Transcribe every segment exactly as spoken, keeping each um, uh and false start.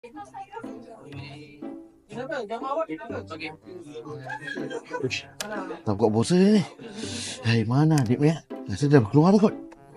Uish, tak kuat bosan ni. Hai, mana adik ni? Rasa dah keluar dah kot.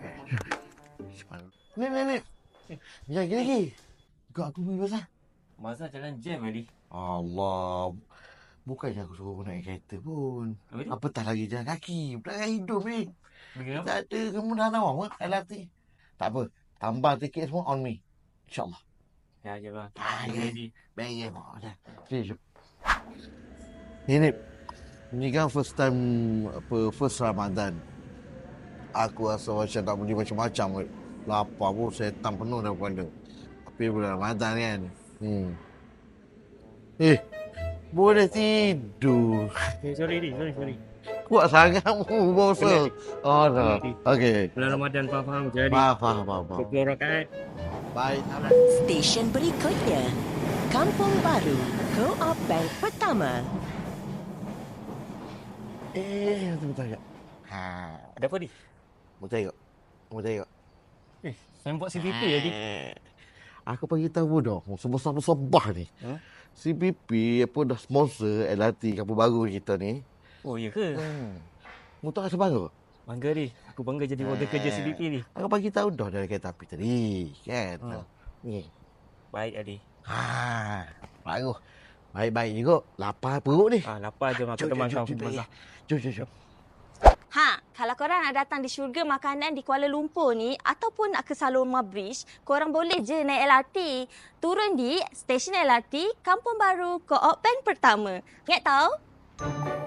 Ni, ni, ni. Jangan lagi lagi. Kau aku pergi pasal. Masa jalan jam tadi. Allah. Bukannya aku suruh naik kereta pun. Apa, Apatah lagi jalan kaki. Pelanggan hidup ni. Kenapa? Tak ada kemudahan awak pun L R T. Tak apa. Tambah tiket semua on me. InsyaAllah. Ya, je bang. Ah, ya. Ready. Baik, ya. Dah. Sini, jom. Ini, ni kan first time, apa, first Ramadan. Aku rasa macam tak boleh macam-macam. Lapar pun setan penuh dah kepala. Tapi bulan Ramadan kan. Hmm. Eh, boleh tidur. Eh, sorry, Di. Sorry, sorry. Kuat sangat mu bosa. Oh, no. Okey. Bulan Ramadan faham-faham je, Di. Faham, faham, faham. faham. Sepuluh rakaat. Baik. Stesen berikutnya, Kampung Baru, Co-op Bank Pertama. Eh, bentar sekejap. Ha. Ada apa, Di? Mau tengok. Mau tengok. Eh, saya buat C V P ya, Di. Aku bagi tahu dah, sebab-sebab ni. Huh? C P P apa dah sponsor L R T Kampung Baru kita ni. Oh, ya ke? Hmm. Mu tak rasa bangga? Bangga, Di. Aku bangga jadi warga kerja C V P, Di. Aku bagi tahu dah dari kereta api tadi, kan? Hmm. Ni. Baik, Adi. Ha, bagus. Baik-baik juga. Lapar perut ni. Ah, lapar je, aku Jom, teman jom, kau. jom, Teman jom, kau. jom, jom, jom. Ha, kalau korang nak datang di syurga makanan di Kuala Lumpur ni ataupun nak ke Saloma Bridge, korang boleh je naik L R T. Turun di stesen L R T Kampung Baru Co-op Bank Pertama. Ingat tahu?